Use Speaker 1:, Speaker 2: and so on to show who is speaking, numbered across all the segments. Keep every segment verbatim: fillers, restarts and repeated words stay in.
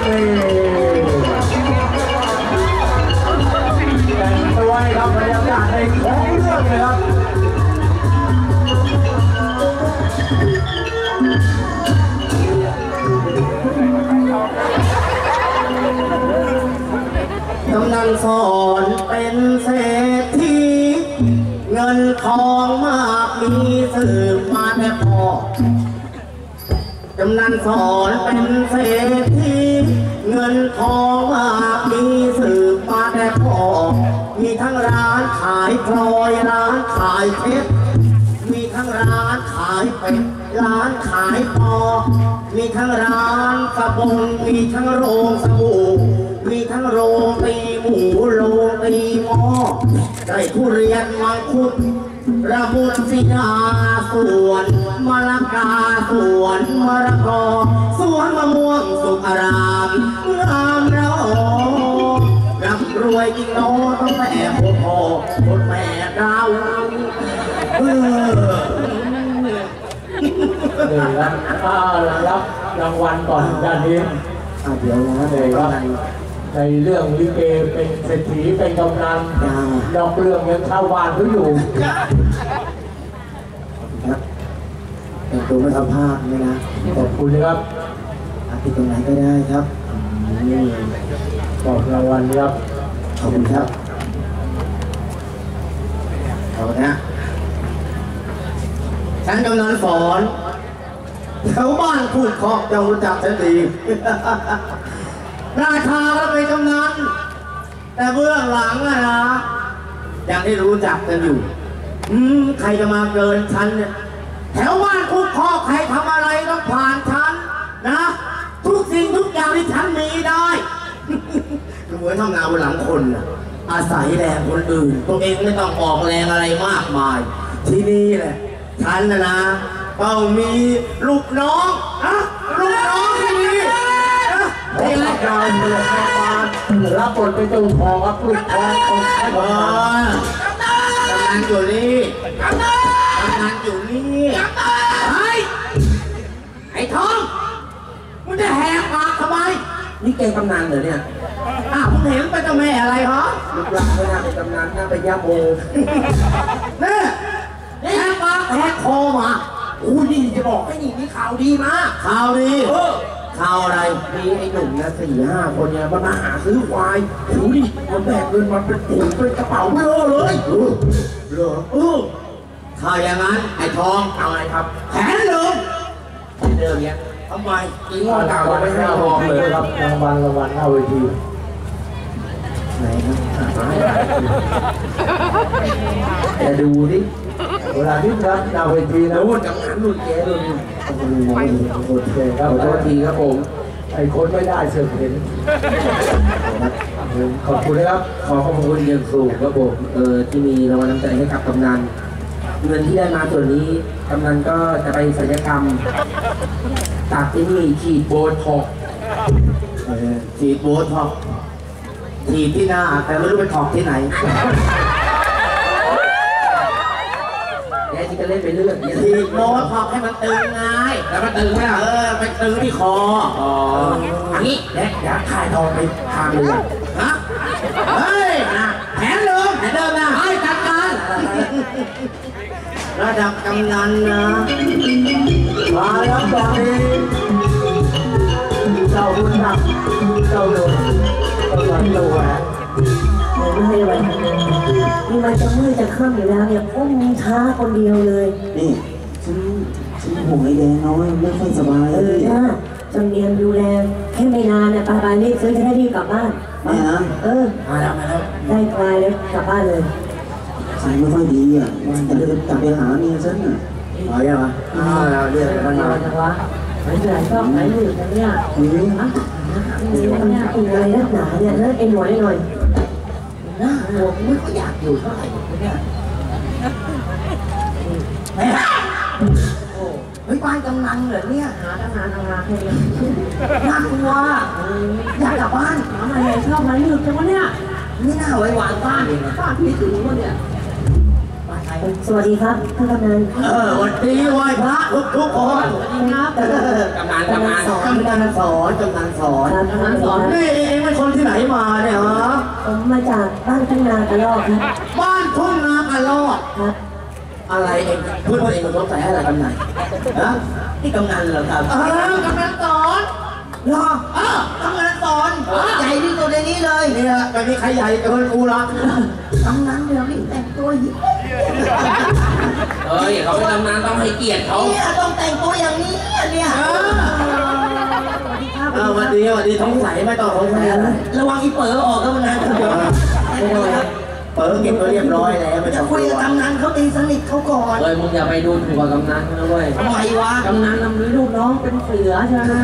Speaker 1: แต่งตัวให้ครับบรรยากาศในของเรื่องเลยครับ
Speaker 2: กำนันสอนเป็นเศรษฐีเงินทองมากมีสืบมาแต่พ่อกำนันสอนเป็นเศรษฐีเงินทองมากมีสืบมาแต่พ่อมีทั้งร้านขายพลอยร้านขายเพชรมีทั้งร้านขายเป็ดร้านขายปอมีทั้งร้านกระบงมีทั้งโรงสบู่มีทั้งโรงตีหมูโรงตีหม้อได้ทุเรียนมังคุดระมุนสิยาสวนมะละกาสวนมะละกอสวนมะม่วงสุกอารามงามเราร่ำรวยจริงโน้ต้องแม่พ่อพ่อคนแม่เราเออ
Speaker 1: เดี๋ยวรับรับรางวัลก่อนด้านนี้
Speaker 2: เดี๋ยวนะ
Speaker 1: เลยครับในเรื่องลิเกเป็นเศรษฐีเป็นกำนันนอกเรื่องยังชาวบ้านเขาอยู่
Speaker 2: แต่งตัวไม่ทำภาพเลยนะ
Speaker 1: ขอบคุณครับ
Speaker 2: ติดตรงไหนก็ได้ครับ
Speaker 1: ขอบรางวัลครับ
Speaker 2: ขอบคุณครับเอานะฉันกำนันสอนแถวบ้านพูดคอกจะรู้จักฉันดีราชาก็เป็นกำนันแต่เบื้องหลังอะนะยังได้รู้จักกันอยู่อืมใครจะมาเกินฉันเนี่ยแถวบ้านพูดคอกใครทำอะไรต้องผ่านฉันนะทุกสิ่งทุกอย่างที่ฉันมีได้เหมือนทำงานบนหลังคนนะอาศัยแรงคนอื่นตัวเองไม่ต้องออกแรงอะไรมากมายที่นี่แหละฉันนะนะต้องมีลูกน้องนะลูกน้องที่ดี
Speaker 1: นี่แหละการเมืองมารับบทเป็นเจ้าของครับลูกทองของไอ้บอล
Speaker 2: กำนันอยู่นี่กำนันอยู่นี่ไอ้ไอ้ทองมึงจะแหกปากทำไมนี่แกกำนันเหรอเนี่ยอ้าวมึงเห็นเป็นเจ้าแม่อะไรฮะลูกหลานไม่น่าเป็นกำนันน่าเป็นย่าโมเนี่ยแหกปากแหกคอมาอู้นี่จะบอกให้นี่มีข่าวดีมาข่าวดีข่าวอะไรมีไอ้หนุ่มนะสี่ห้าคนเนี่ยมาหาซื้อควายดูดิมันแบกเงินมันเป็นถุงเป็นกระเป๋าเบลอเลยเออเออเออถ้าอย่างนั้นไอ้ทองเอาไงครับแผนเดิมแผนเดิมเนี่ยทำไมอีงอดาวไม่ให้ทองเลย
Speaker 1: ครับรางวัลรางวัลหน้าเวที
Speaker 2: ไหนครับจะดูดิ
Speaker 1: เวลาที่ครับหน้าเวทีนะ
Speaker 2: รุ่นกับงานรุ่นแกรุ่น
Speaker 1: โอเคครับขอโทษทีครับผมไอ้คนไม่ได้เสือกเห็นขอบคุณนะครับ
Speaker 2: ขอขอบคุณอย่างสูงครับผมเออที่มีรางวัลน้ำใจให้กับกำนันเงินที่ได้มาส่วนนี้กำนันก็จะไปศัลยกรรมตัดที่นี่ฉีดโบท็อกฉีดโบท็อกฉีดที่หน้าแต่ไม่รู้ไปถอกที่ไหนแกที่จะเล่นไปเรื่อยฉีดโบท็อกให้มันตึงไงแล้วมันตึงไหมล่ะเออไปตึงที่คออ๋ออันนี้แกอยากถ่ายทองไปทางเรือฮะเฮ้ยแผนเดิมแผนเดิมนะให้จัดการระดับกำนันนะ
Speaker 1: มาแล้วตอนนี้เจ้าบุญนักเจ้าหลวงกำลังตัวแหวน
Speaker 3: ไม่ให้ไว้นี่มันจะมืดจะค่ำอยู่แล้วเนี่ยพวกมึงช้าคนเดียวเลย
Speaker 2: นี่ฉันฉันห่วงไอ้แดงน้อยไม่ค่อยสบาย
Speaker 3: เออจ้าจำเนียนดูแลแค่ไม่นานเนี่ยปาปารีบซื้อจะได้รีบกลับบ้าน
Speaker 2: มาแล้ว
Speaker 3: เออ
Speaker 2: มาแล้วมาแล้ว
Speaker 3: ได้กลายแล้วกลับบ้านเลย
Speaker 2: สายไม่ค่อยดีอ่ะจะเดินกลับไปหาเมียฉันอ่ะมาอย่างไรอ่าเราเรียกมันมา
Speaker 3: จังวะไม่เหนื่อยก็ไม่เหนื่อยนะเนี่ย
Speaker 2: อืม
Speaker 3: ฮะมีอะไรนักหนาเนี่ยนั่นเอ็นหน่อยหน่อย
Speaker 2: หน้าหัวไม่ก็อยากอยู่เท่าไหร่เนี่ยเฮ้ยบ้านกำนันเหรอเนี่ย
Speaker 3: หาทำงานทำงานแค่นี้
Speaker 2: น่ากลัวอยากกลับบ้าน
Speaker 3: ทำอะไรชอบไหมหนึบจังวะเนี่ย
Speaker 2: นี่น่าไว้วางบ้าน
Speaker 3: บ้านพี่ถึงวะเนี่ย
Speaker 2: บ้าน
Speaker 3: สวัสดีครับท่านกำนัน
Speaker 2: เออวันดีไหว้พระทุกทุกคน
Speaker 3: ครับ
Speaker 2: กำนันกำนันสอนกำนันสอนกำนันสอน
Speaker 3: ครับกำนันสอน
Speaker 2: นี่เองเป็นคนที่ไหนมาเนี่ยฮะ
Speaker 3: ผมมาจากบ้านทุ่งนากระรอกครับ
Speaker 2: บ้านทุ่งนากระรอก
Speaker 3: ครับ
Speaker 2: อะไรเองเพื่อนเองสงสัยอะไรกำนันฮะนี่กำนันเหรอครับเออกำนันสอนเหรอเออกำนันสอนใหญ่ที่สุดในนี้เลยเนี่ยไม่มีใครใหญ่เกินกูหรอกกำนันเดี๋ยวนี้แต่งตัวยิ่ง
Speaker 4: เฮ้ยเขาเป็นตำนานต้องให้เกียรติเขา
Speaker 2: เนี่ยต้องแต่งตัวอย่างนี้เนี่ยเออ
Speaker 3: สวัสดีครับ
Speaker 2: เออวันดีวันดีสงสัยไม่ต้องสงสัยอะไรระวังอีเป๋อออกก็มันนานเดี๋ยว
Speaker 3: ไม่ได้ครับ
Speaker 2: เป๋อเก็บไว้เรียบร้อยแล้วไม่
Speaker 5: จะ
Speaker 2: ต้อง
Speaker 5: คุยกับกำนันเขาตีสนิทเขาก่อน
Speaker 4: เฮ้ยมึงอย่าไปดูถูกกับกำนันนะเว้ย
Speaker 5: ทำไมวะ
Speaker 4: กำนันน่ะมีลูกน้องเป็นเสือใช่ไหม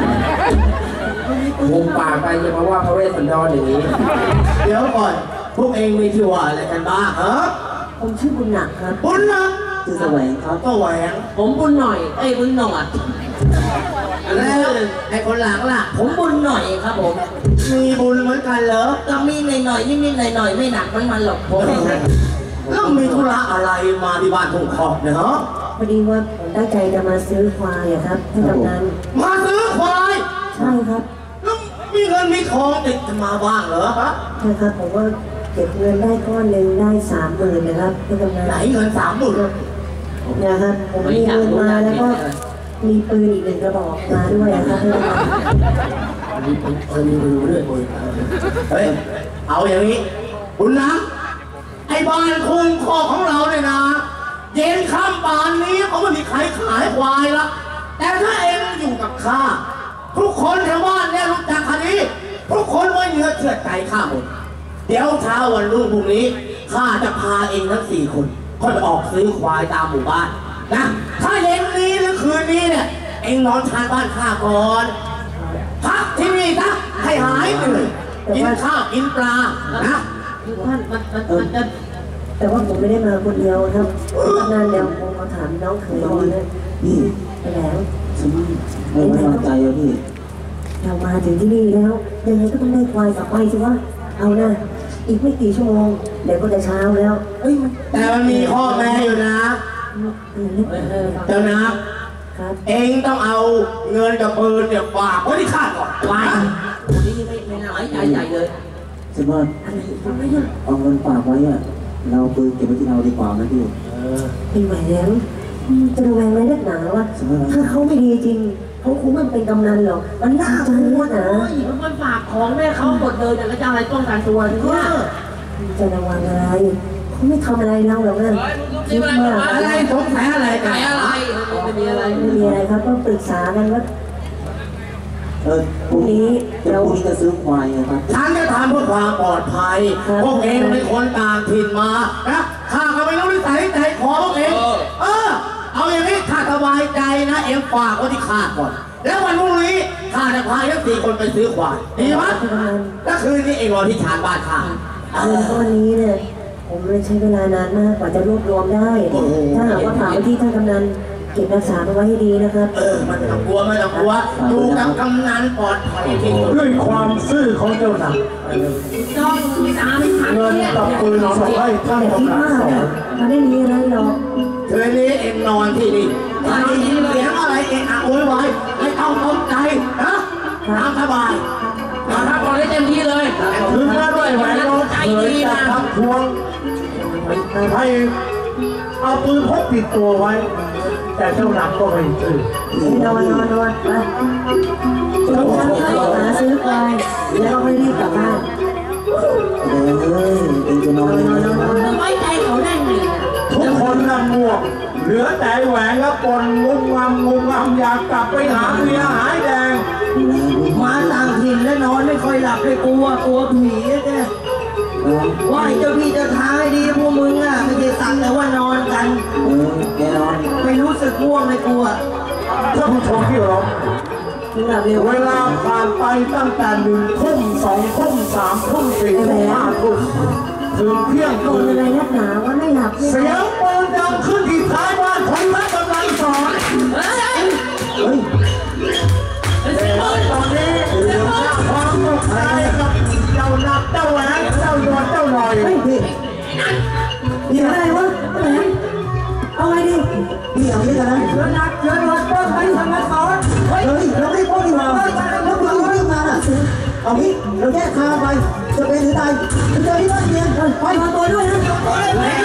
Speaker 4: มุมปากไปจะมาว่าพระเวสสันดรอย่างนี้
Speaker 2: เดี๋ยวก่อนพวกเองมีที่ว่าอะไรกันบ้างเออ
Speaker 3: ผมชื่อบุญหนักครับ
Speaker 2: บุญนะ
Speaker 3: ชื่อแสวงครับ
Speaker 2: ก็แหวง
Speaker 4: ผมบุญหน่อย เอ้ยบุญหน่อย
Speaker 2: แล้วไอ้คนหลังล่ะ
Speaker 5: ผมบุญหน่อยครับผม
Speaker 2: มีบุญเหมือนกันเหรอ
Speaker 5: ก็มีหน่อยๆนิดๆหน่อยๆไม่หนักมันมันหรอกผม
Speaker 2: แล้วมีธุระอะไรมาที่บ้านทุ่งคอกเนี่ยฮะ
Speaker 3: พอดีว่าผมตั้งใจจะมาซื้อควายอะครับท่านกำนัน
Speaker 2: มาซื้อควาย
Speaker 3: ใช่ครับ
Speaker 2: แล้วมีเงินมีทองติดมาบ้างเหรอฮะ
Speaker 3: ใช่ครับผมว่าเก็บเงินได้ก้อนหนึ่งได้สามหมื่นนะครับท่านกำนัน
Speaker 2: ไหนเงินสามหมื่น
Speaker 3: นะครับผมมีเงินมาแล้วก็มีปืนอีกหนึ่งกระบอกมาด้วยนะครับท่านกำนัน
Speaker 2: มีปืนเออมีปืนด้วยปืนเฮ้ยเอาอย่างนี้บุญนะไอ้บ้านทุ่งคอกของเราเนี่ยนะเย็นค่ำป่านนี้เขาไม่มีใครขายควายละแต่ถ้าเองอยู่กับข้าทุกคนแถวบ้านเนี่ยรู้จักคันนี้ทุกคนไว้เนื้อเชื่อใจข้าหมดเดี๋ยวเช้าวันรุ่งพรุ่งนี้ข้าจะพาเองทั้งสี่คนค่อยออกซื้อควายตามหมู่บ้านนะถ้าเย็นนี้หรือคืนนี้เนี่ยเองนอนชานบ้านข้าก่อนพักที่นี่นะให้หายเหนื่อยกินข้าวกินปลานะ
Speaker 4: ท่านมันมันมันจะ
Speaker 3: แต่ว่าผมไม่ได้มาคนเดียวครับท่านกำนันเดี๋ยวผมมาถามน้องเขยก่อนนะ
Speaker 6: พี่
Speaker 3: ไปแล้ว
Speaker 6: ฉันไม่ไว้วางใจอะพี่
Speaker 3: เรามาถึงที่นี่แล้วยังไงก็ต้องได้ควายกลับไปสิวะเอานะอีกไม่กี่ชั่วโมงเดี๋ยวก็จะเช้าแล้วเอ้ยมัน
Speaker 2: แต่มันมีข้อแม้อยู่นะ
Speaker 3: เออนึก
Speaker 4: เออเออ
Speaker 2: เจ้านะ
Speaker 3: ครับ
Speaker 2: เองต้องเอาเงินกับปืนเนี่ยฝากไว้ที่ข้าก่อนไว้
Speaker 4: คนนี้ไม่ไม่น่าไว้ใจใหญ่เลย
Speaker 6: ฉันว่า
Speaker 3: อะไรทำไมเนี่ย
Speaker 6: เอาเงินฝากไว้อะเราปืนเก็บไว้ที่เราดีกว่านะพี่
Speaker 3: เป็นไหวแล้วจะระแวงอะไรนักหนาวะถ้าเขาไม่ดีจริงเขาคงไม่เป็นกำนันหรอกมันน่าจะรู้นะ
Speaker 4: เฮ้ยมันฝากของแม่เขาหมดเลยแต่ก็จะอะไรป้องกันตัวทีเนี่ย
Speaker 3: จะระวังอะไรเขาไม่ทำอะไรเราหรอกนะคิดมาก
Speaker 2: อะไรสงสัยอะไรกั
Speaker 4: ขาน ยอะไรไม่มีอะไร
Speaker 3: ไม่มีอะไรครับต้องปรึกษากันว่า
Speaker 6: เออพรุ่งนี้เดี๋ยวพรุ่งนี้จะซื้อควายนะครับ
Speaker 2: ฉันจะทำเพื่อความปลอดภัย พวกเองเป็นคนต่างถิ่นมานะข้าก็ไม่รู้นิสัยใจคอพวกเองเออ เอาอย่างนี้ข้าสบายใจนะเอ็มฝากไว้ที่ข้าก่อน แล้ววันพรุ่งนี้ข้าจะพาทั้งสี่คนไปซื้อควายดีไหมแล้วคืนนี้เองรอที่ชานบ้านข้า
Speaker 3: เงินก้อนนี้เนี่ยผมเลยใช้เวลานานมากกว่าจะรวบรวมได้ ถ้าหากว่าฝากไว้ที่ท่านกำนันเก็บรักษาเอาไว้ให้ดีนะครับ
Speaker 2: เออมันไม่ต้องกลัวไม่ต้องกลัวอยู่กับกำนันปลอดภัยที่สุด
Speaker 1: ด้วยความซื่อของเจ้าหนัก
Speaker 4: น้องมีสามพัน
Speaker 1: เงินกับปืนส่งให้ท่าน
Speaker 3: แต่คิด
Speaker 1: กำนัน
Speaker 3: ว่า
Speaker 1: สอ
Speaker 3: เนี่ย
Speaker 1: น
Speaker 3: มันไม่มีอะไรหรอก
Speaker 2: คืนนี้เองนอนที่นี่ถ้าได้ยินเสียงอะไรเองอะโวยวายไม่ต้องตกใจนะตามสบาย
Speaker 4: มาทักบอลให้เต็มที่เลย
Speaker 1: ถึงแม้ด้วยแหวนน้องเคยจะทักทวงให้เอาปืนพกติดตัวไว้ แต่เจ้าหนักก็ไม่ตื่น
Speaker 3: นอนนอนนอนไปต้องทำข้าวหาซื้อควายแล้วก็รีบกลับบ้าน
Speaker 6: เดี๋ยวเอ้ยเองจะนอนยังไง
Speaker 4: ไว้ใจเขาได้ไง
Speaker 1: ทุกคนน่ะง่วงเหลือแต่แหวนแล้วปนงุมงำงุมงำอยากกลับไปหาเมียหายแดง
Speaker 5: มาต่างถิ่นแล้วนอนไม่ค่อยหลับเลยกลัวกลัวผีแกไหว่าเจ้าพี่เจ้าทางให้ดีพวกมึงอ่ะไม่ใช่สั่งแต่ว่านอนกัน
Speaker 6: เออแกนอน
Speaker 5: ไม่รู้สึกง่วงไม่กลัว
Speaker 1: ท่านผู้ชมที่เคารพ
Speaker 3: ถึงหลับเร็ว
Speaker 1: เวลาผ่านไปตั้งแต่หนึ่งทุ่มสองทุ่มสามทุ่มสี่ทุ่มห้าทุ่มถึงเที่ยง
Speaker 3: โด
Speaker 1: คื
Speaker 3: น
Speaker 1: น
Speaker 3: อะไรนักหนาว่าไม่หลับเนี่ย
Speaker 1: เสียงปืนดังขึ้นที่ท้ายบ้านของพระกำลังสอน
Speaker 4: เฮ้ย
Speaker 6: เฮ้ย
Speaker 1: ตอนนี้เรื่องราวความตกใจกับเจ้าหนักเจ้าแหวนเจ้าโยนเจ้าหน่อย
Speaker 3: เฮ้ยพี่
Speaker 4: นั่น
Speaker 3: มีอะไรวะแหมเอาไงดี
Speaker 6: พี่เอาด้วยกันนะ
Speaker 1: เชิญนักเชิญรถต้นไปทำมาสอนเฮ้ย
Speaker 6: เฮ้ยเราไม่พ้นดีกว่าแล้วคุณอยู่ที่งานอ่ะเอางี้เราแยกทางไปจะเป็นหรือตายเจอที่บ้านเมียไป
Speaker 3: ไปมาตัวด้วยนะ
Speaker 1: เฮ้ย